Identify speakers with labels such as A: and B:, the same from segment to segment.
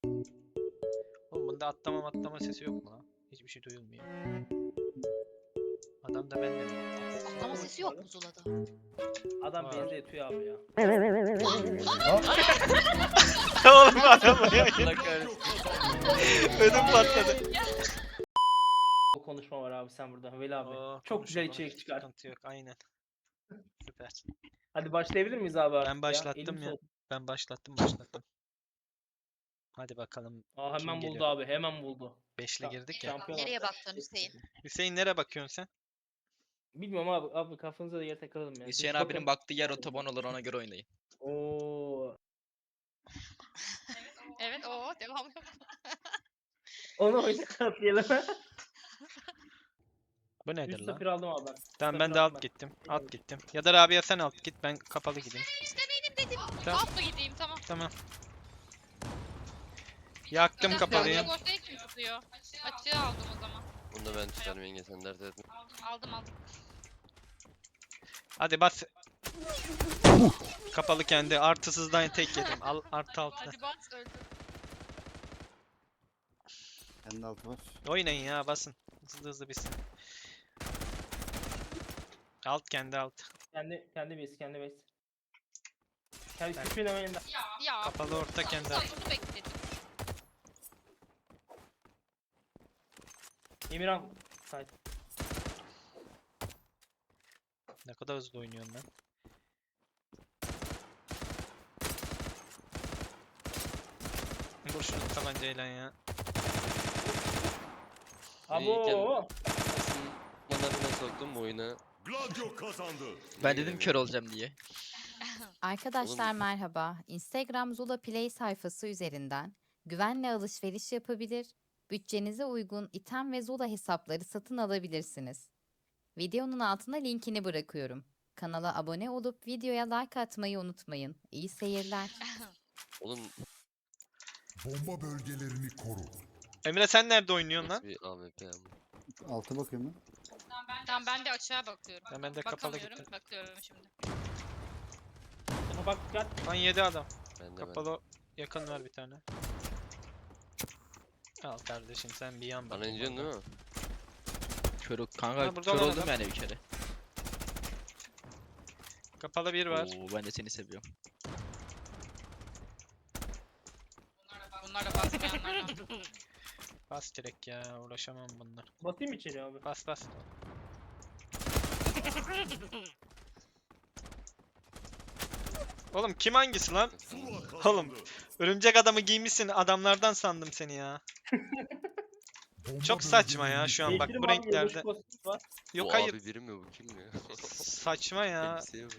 A: Oğlum bunda atlama sesi yok mu lan? Hiçbir şey duyulmuyor. Adam da benimle mi?
B: Atlama sesi yok mu Zula'da?
C: Adam
A: Var.
C: beni de yatıyor abi ya.
A: Oğlum adam ya.
D: Allah kahretsin.
A: Ödüm patladı.
C: O konuşma var abi sen burada Veli abi.
A: Oo,
C: Çok güzel
A: konuşalım.
C: içerik çıkar.
A: Sıkıntı yok aynen. Süper.
C: Hadi başlayabilir miyiz abi artık
A: Ben başlattım
C: Elim
A: ya.
C: soğuk.
A: Ben başlattım. Hadi bakalım.
C: Aa,
A: Kim
C: hemen buldu
A: geliyor?
C: abi hemen buldu.
A: Beşle girdik ya.
C: Şampiyon.
B: Nereye baktın Hüseyin?
A: Hüseyin nereye bakıyorsun sen?
C: Bilmiyorum abi kafanıza da yer takalım ya.
D: Hüseyin
C: Siz
D: abinin
C: bakın.
D: baktığı yer otoban olur, ona göre oynayın.
C: Oo.
B: Evet o devam.
C: Onu oyuna katlayalım.
A: Bu nedir
C: 3-0
A: lan?
C: aldım abi ben.
A: Tamam
C: 3-0
A: ben de
C: aldım
A: alt gittim. Alt gittim. Ya da Rabia sen alt git, ben kapalı gideyim.
B: İşte benim dedim.
A: Tamam.
B: Alt mı gideyim tamam.
A: Tamam. Yaktım kapalıyı.
B: Boş değil kim tutuyor? Açığı aldım o zaman.
E: Bunu da ben tutarım yenge, sen dert etme.
B: Aldım.
A: Hadi bas. Kapalı kendi artısızdan tek yedim. Al artı altı.
B: Hadi bas öldü.
F: Kendi altı var.
A: Oynayın ya, basın. Hızlı bitsin. Alt kendi alt.
C: Kendi base. Kendi küçüğün hemen yanında.
B: Ya.
A: Kapalı orta kendi alt.
B: Bunu bekledim.
C: Emirhan. Sait.
A: Ne kadar hızlı oynuyorum ben. Vur şunu tabancayla ya.
C: Abo.
E: Manlarına soktum bu oyuna.
G: Gladio kazandı.
D: Ben dedim kör olacağım diye.
H: Arkadaşlar
E: Oğlum-
H: merhaba. Instagram Zula Play sayfası üzerinden güvenle alışveriş yapabilir, bütçenize uygun item ve Zula hesapları satın alabilirsiniz. Videonun altına linkini bırakıyorum. Kanala abone olup videoya like atmayı unutmayın. İyi seyirler.
E: Oğlum
G: Bomba bölgelerini koru.
A: Emre sen nerede oynuyorsun
E: nasıl
A: lan?
E: bir AWP ya bu?
F: Altı bakıyorum ben.
B: Tamam ben de açığa bakıyorum.
A: Ben de kapalı
B: Bakamıyorum,
A: gittim.
B: bakıyorum şimdi.
C: Ama bak dikkat.
A: Lan 7 adam.
E: Ben de
A: Kapalı yakın var bir tane. Al kardeşim sen bir yan bak.
E: Bana ineceksin değil mi?
D: Kör, kanka
A: Ha, burada
D: kör
A: olan
D: oldum
A: adam.
D: yani bir kere.
A: Kapalı bir var.
D: Oo, ben de seni seviyorum.
B: Bunlar da basmayanlardan.
A: Bas direkt ya, uğraşamam bunlar.
C: Basayım mı içeri abi?
A: Bas bas. Oğlum kim hangisi lan?
G: Zula kazandı.
A: Oğlum. Örümcek adamı giymişsin, adamlardan sandım seni ya.
G: Bomba
A: Çok saçma ya
G: bölgelerini
A: şu an bak
C: Değiştirim
A: bu
C: abi,
A: renklerde.
C: yılbaşı kostümü var.
A: Yok
E: bu
A: hayır,
E: abi biri mi bu, kim ya?
A: saçma ya.
E: Elbiseye mi?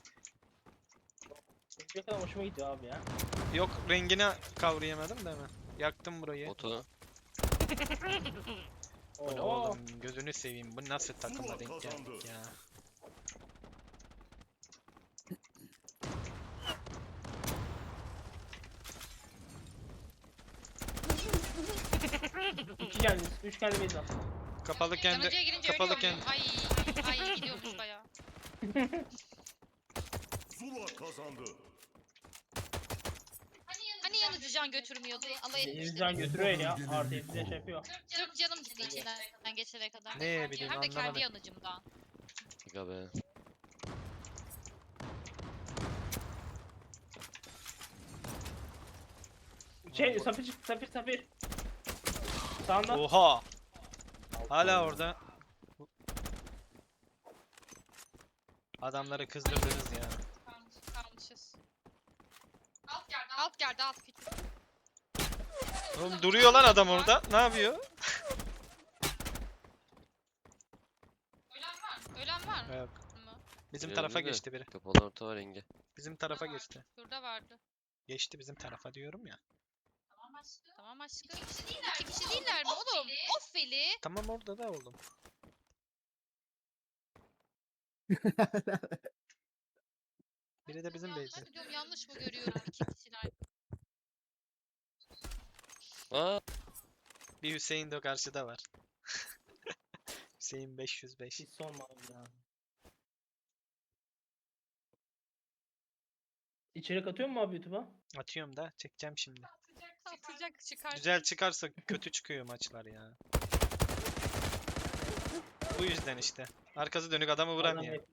C: Ne kadar hoşuma gidiyor abi ya.
A: Yok rengini kavrayamadım da hemen. Yaktım burayı.
E: Oto.
A: Bu ne
C: Oo.
A: oğlum, gözünü seveyim, bu nasıl takıma
G: Zula
A: denk
G: kazandı.
A: geldik ya.
C: İki geldi. 3 geldi base var.
A: Kapalı kendi,
B: Yanıcıya girince
A: kapalı
B: ölüyor
A: kendi.
B: muyum? Ay gidiyormuş baya.
G: Zula kazandı.
B: Hani yanıcı can götürmüyordu? Alay
C: Denizcan
B: etmişti.
C: götürüyor ya. Artı hepsine şey yapıyor.
B: Sırf canım gitti içinden geçene kadar.
A: Ne bileyim,
B: Hem de kendi
A: anlamadım.
B: yanıcımdan.
E: Aga be.
C: Safir çıktı Safir. Sağında.
A: Oha! Hala orada. Adamları kızdırdınız ya.
B: Kalmışız. Alt geldi alt küçük.
A: Oğlum duruyor lan adam orada. Ne yapıyor?
B: Ölen var mı?
A: Yok. Bizim
E: Biri
A: tarafa
E: öldü de.
A: geçti biri.
E: Kapalı orta var yenge.
A: Bizim tarafa geçti.
B: Şurada vardı.
A: Geçti bizim tarafa diyorum ya.
B: Tamam aşkım. İki kişi değiller mi oğlum? Of Veli.
A: Tamam orada da oğlum. Biri de bizim base'de.
B: Ben diyorum yanlış mı görüyorum iki kişiler?
E: Aa,
A: Bir Hüseyin de karşıda var. Hüseyin 505.
C: Hiç sormadım ya. İçerik atıyor mu abi YouTube'a?
A: Atıyorum da çekeceğim şimdi.
B: Atacak çıkar.
A: Güzel çıkarsa kötü çıkıyor maçlar ya. Bu yüzden işte. Arkası dönük adamı vuramıyor.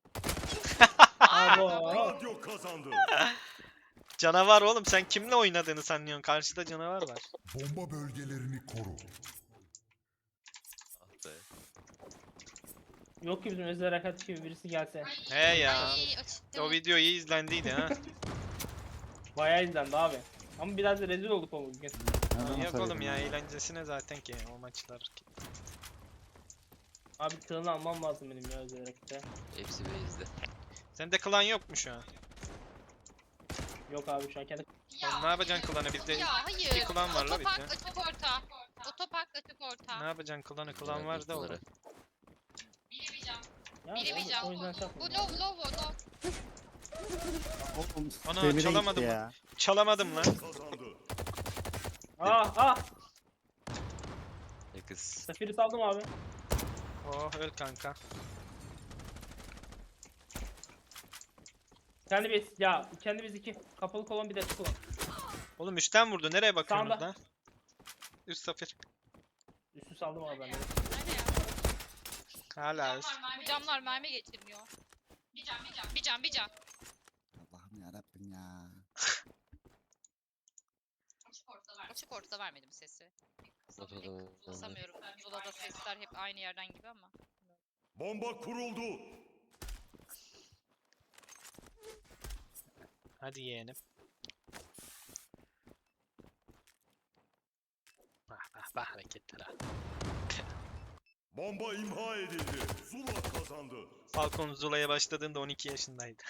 C: Abo.
G: Radyo kazandı.
A: Canavar oğlum, sen kimle oynadığını sanıyorsun? Karşıda canavar var.
G: Bomba bölgelerini koru.
E: Ah be.
C: Yok ki bizim özel harekat gibi birisi gelse.
A: He ya.
B: Ay, açtı.
A: O video iyi izlendiydi ha.
C: Bayağı izlendi abi. Ama biraz da rezil olduk o bugün.
F: Nereden
A: Yok oğlum
F: atabilirim
A: ya, eğlencesine zaten ki o maçlar.
C: Abi tığını almam lazım benim ya özel harekette.
E: Hepsi base'de.
A: Sende klan yok mu şu an?
C: Yok abi şu an kendi...
A: Oğlum ne yapacaksın klanı? Bizde
B: Ya hayır.
A: iki klan var la
B: Otopark
A: bizde.
B: açık orta. Otopark açık orta.
A: Ne yapacaksın klanı? Klan var da oğlum.
C: Ya,
B: Biri bir can.
C: o yüzden şey
B: Bu
C: yapmıyorum.
B: low.
F: Oğlum,
A: Ana,
F: demire gitti
A: çalamadım
F: ya.
A: Çalamadım lan.
G: Kazandı.
C: Ah.
E: Yakız.
C: Safiri saldım abi.
A: Oh öl kanka.
C: Kendi biz ya kendi biz 2. Kapalı kolon bir de açık kolon.
A: Oğlum üstten vurdu. Nereye bakıyorsunuz
C: Sağda.
A: lan? Üst safir.
C: Üstü saldım abi ben de.
B: Nerede ya?
A: Hala üst.
B: Bu camlar mermi geçirmiyor. Bir can.
F: Allah'ım yarabbim ya.
B: Açık ortada vermedim sesi.
E: Ortada
B: Kısamıyorum. Zula'da sesler hep aynı yerden gibi ama.
G: Bomba kuruldu.
A: Hadi yeğenim. Bah hareketler ha.
G: Bomba imha edildi. Zula kazandı.
A: Falcon Zula'ya başladığında 12 yaşındaydı.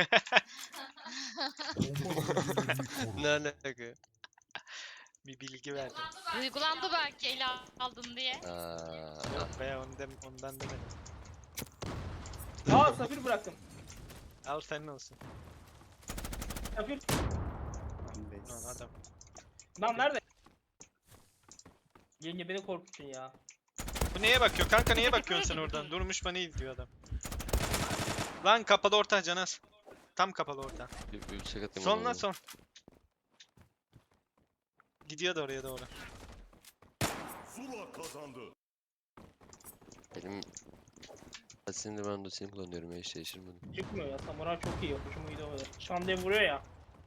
G: Bomba bölgelerini koru.
E: Ne alaka?
A: Bir bilgi verdim.
B: Duygulandı belki ele aldın diye.
E: Aa,
A: Yok be ondan demedim.
C: Aa safir bıraktım.
A: Al senin olsun.
C: Safir.
A: Lan adam.
C: Lan nerede? Yenge beni korkuttun ya.
A: Bu neye bakıyor? Kanka neye bakıyorsun sen oradan? Durmuş bana izliyor adam. Lan kapalı orta Canas. Tam kapalı orta.
E: bir bıçak atayım.
A: Son
E: ona.
A: lan son. Gidiyor da oraya doğru.
G: Zula kazandı.
E: Benim... Şimdi ben de seni kullanıyorum ya, hiç değiştirmedim.
C: Çıkmıyor ya. Samuray çok iyi. Hoşuma gidiyor böyle. Şandaya vuruyor ya.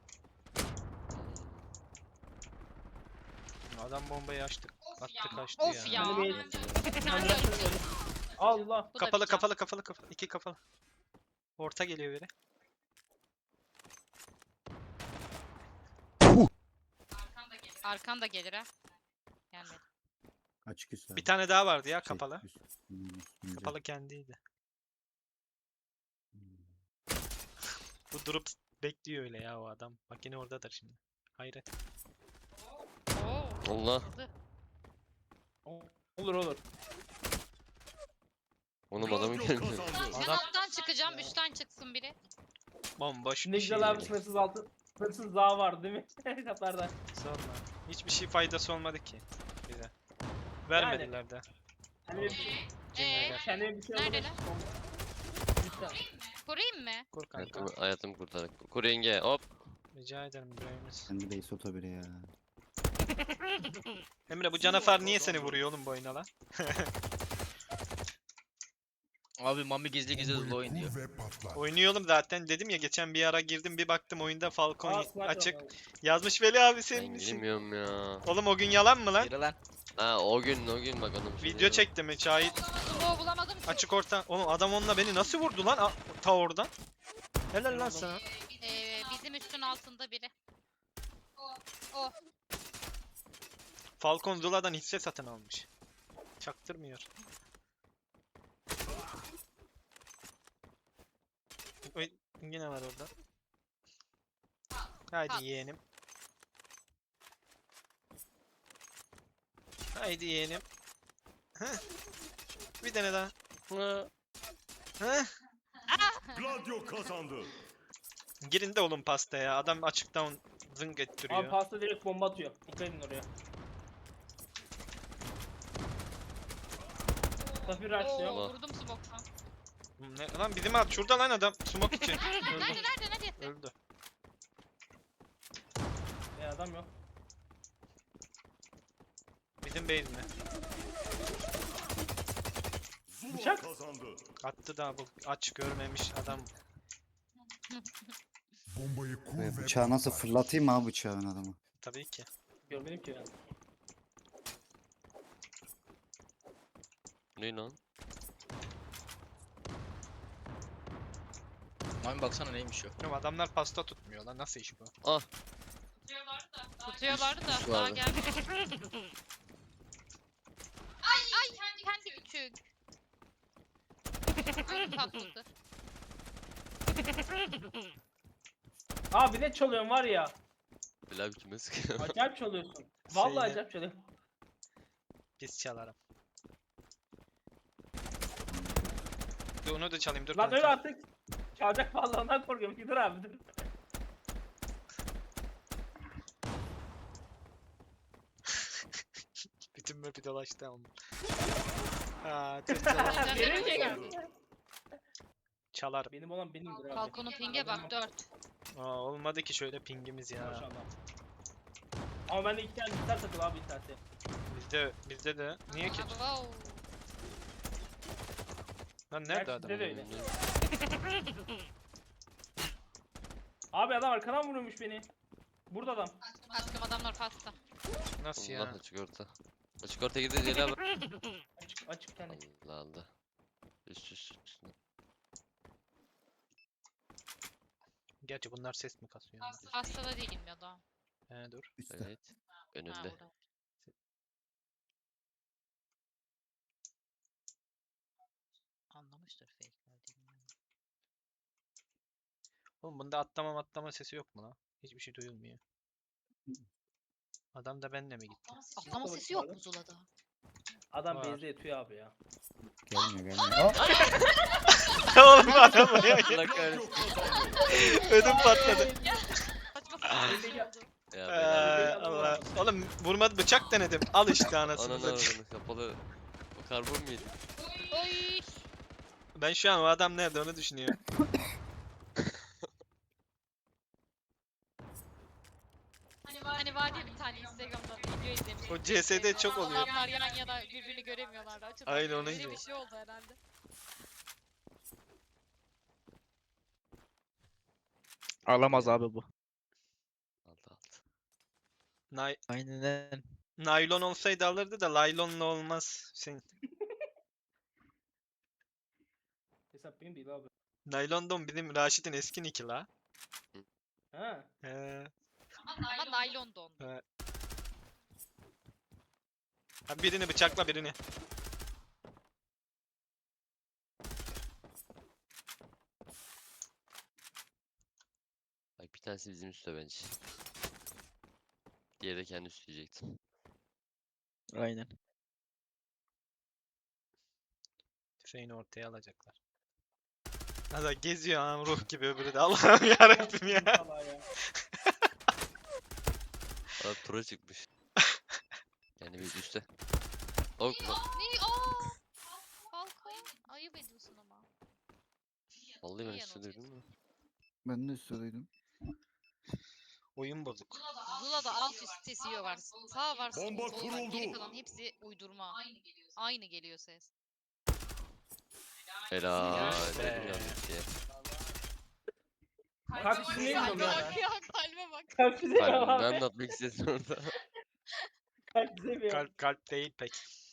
A: Adam bombayı açtık. Attı kaçtı
B: Of ya.
C: Hadi bir-
B: Sen de
C: Bıraktım böyle. Allah.
B: Bu da
A: Kapalı
B: bir can.
A: kapalı. İki kapalı. Orta geliyor biri.
B: Arkan da gelir ha. Gelmedi.
F: Açık üst abi.
A: Bir tane daha vardı ya
F: Şey,
A: kapalı.
F: üstünde.
A: Kapalı kendiydi. Bu durup bekliyor öyle ya o adam. Bak yine oradadır şimdi. Hayret.
B: Oo.
E: Allah.
B: Hızlı.
C: Olur.
E: Oğlum adamın
G: Radyo
E: gelmiyor.
G: kazandı.
B: Sen
A: Adam-
B: alttan çıkacağım, üstten çıksın biri.
A: Bomboş
C: Ne
A: bir şey.
C: güzel abi sınırsız altı. Sınırsız dağ vardı değil mi? Katlarda.
A: Sorma. Hiçbir şey faydası olmadı ki bize. Vermediler de.
C: Kendime
A: Cinlerler.
C: kendime bir şey
B: Neredeler?
C: alalım. Lütfen.
B: Kurayım mı?
A: Kur kanka.
E: Hayatımı kurtarak. Kuru yenge hop.
A: Rica ederim İbrahim'iz.
F: Kendi base oto biri ya.
A: Emre bu canavar niye seni vuruyor oğlum bu oyuna lan?
D: Abi Mami gizli gizli
G: Bombayı
D: Zula oynuyor.
G: kur ve patlat.
A: Oynuyor oğlum zaten, dedim ya geçen bir ara girdim bir baktım oyunda Falcon
C: Aa, sniper
A: açık.
C: var.
A: Yazmış Veli abi
E: Ben
A: senin için.
E: bilmiyorum ya.
A: Oğlum o gün yalan mı lan?
D: Yürü lan.
E: Ha o gün bak onun.
A: Video çekti mi şahit?
B: Smoke bulamadım ki.
A: Açık orta. Oğlum adam onunla beni nasıl vurdu lan ta oradan? Helal lan sana.
B: Bizim üstün altında biri. O.
A: Falcon Zula'dan hisse satın almış. Çaktırmıyor. Oy, yine var orada. Haydi yeğenim. Haydi yeğenim. Heh. Bir tane daha. Heh.
G: Gladio kazandı.
A: Girin de oğlum pastaya. Adam açıktan zınk ettiriyor.
C: Abi pasta direkt bomba atıyor. Dikkat edin oraya. Safir rushlıyor.
B: Oo, vurdum smoke'tan.
A: Ne lan bizim at şurada lan adam smoke için. Öldü.
B: Nerede?
A: Öldü.
C: Adam yok.
A: Mid'in base mi?
G: Zula
C: Bıçak.
G: kazandı.
A: Attı da bu aç görmemiş adam.
G: Bombayı kur
F: Ve bıçağı nasıl fırlatayım abi bıçağın adamı?
A: Tabii ki.
C: Görmedim ki ben.
E: Ne lan?
D: Mami baksana neymiş o.
A: Oğlum adamlar pasta tutmuyor lan. Nasıl iş bu?
E: Ah
B: Tutuyorlardı da
E: Üst
B: daha
E: vardı.
B: gelmedi. Ay kendi küçük. Patladı.
C: Abi ne çalıyorsun var ya.
E: Bilal kime sıkıyor?
C: Acayip çalıyorsun. Vallahi
A: Şeyine-
C: acayip çalıyorsun.
A: Pis çalarım. Dur onu da çalayım dur
C: Lan
A: kanka.
C: öyle artık. Çalacak vallahi ondan korkuyorum. Dur abi dur.
A: Bütün map'i dolaştı ama. Aa, tır çalar.
C: Benim şey
B: geldi.
C: geldi.
A: Çalarım.
C: Benim olan benimdir abi.
B: Balkonun pinge bak 4.
A: Aa, olmadı ki şöyle pingimiz ya.
C: Maşallah. Ama bende 2 tane gitar takılı abi internette.
A: Bizde de. Niye ki?
B: Wow.
A: Lan nerede
C: Gerçi
A: adam?
C: bizde de öyle. Abi adam arkadan vuruyormuş beni. Burada adam.
B: Aşkım adamlar pasta.
A: Nasıl
E: Allah
A: ya?
E: açık orta. Açık orta girdi Celal abi.
C: Açık bir tane.
E: Allah Allah. Üstüne.
A: Gerçi bunlar ses mi kasıyor?
B: Pastada değilim ya da.
A: He dur.
F: Üstte.
E: Evet.
B: Ha,
E: Önünde.
B: burada. Anlamıştır fake verdiğimi.
A: Oğlum bunda atlama sesi yok mu lan? Hiçbir şey duyulmuyor. Adam da benle mi gitti?
B: Atlama sesi yok mu Zula'da?
C: Adam
A: Var.
C: base'de yatıyor abi ya.
F: Gelmiyor gelmiyor. Aa!
A: Oğlum adam ya.
E: Allah kahretsin.
A: Ödüm patladı.
B: Saçma sapan bir şey oldu.
E: Ya Bilal.
A: Allah. Oğlum vurmadı bıçak denedim. Al işte anasını
E: Ananı
A: satayım.
E: avradını kapalı. O karbon mu yedin?
B: Oy.
A: Ben şu an o adam nerede onu düşünüyorum.
B: Hani var ya bir tane Instagram'da video izlemiştim.
A: O CS'de çok oluyor.
B: Adamlar yan yana birbirini göremiyorlardı. Açıdan
A: Aynen, onu
B: öyle
A: izliyorum.
B: bir şey oldu herhalde.
D: Alamaz abi bu.
E: Aldı aldı.
D: Aynen.
A: Naylon olsaydı alırdı da laylonla olmaz.
C: Hesap benim değil abi.
A: Naylon don bizim Raşit'in eski nicki la.
C: Ha.
B: Ama naylon don.
A: Ha, birini bıçakla birini.
E: Bak bir tanesi bizim üstte bence. Diğeri de kendi üstü diyecektim.
D: Aynen.
A: Tüfeğini ortaya alacaklar. Hadi geziyor anam ruh gibi öbürü de. Allah'ım yarabbim ya.
C: Allah ya.
E: Abi pro çıkmış. Yani bir üstte. Ok lan.
B: Ne? Aa! Balkon. Ayıp ediyorsun ama.
E: Vallahi ben
B: İyi
E: üstte
B: yanıltıyorsun.
E: duydum mu?
F: Ben de üstte duydum.
A: Oyun bozuk.
B: Zula'da alt üst sesi var. Sağ var,
G: Bomba
B: sol var. Geri
G: kuruldu.
B: kalan hepsi uydurma. Aynı geliyor ses.
E: Helal.
A: Yes be.
E: Dedim yanlış diye.
C: Kalp izni bilmiyorum ya.
B: Bak ya kalbe bak.
C: Kalp izni mi
E: Kalbimden
C: abi?
E: de atmak istedim orada.
C: Kalp izni mi?
A: Kalp değil pek.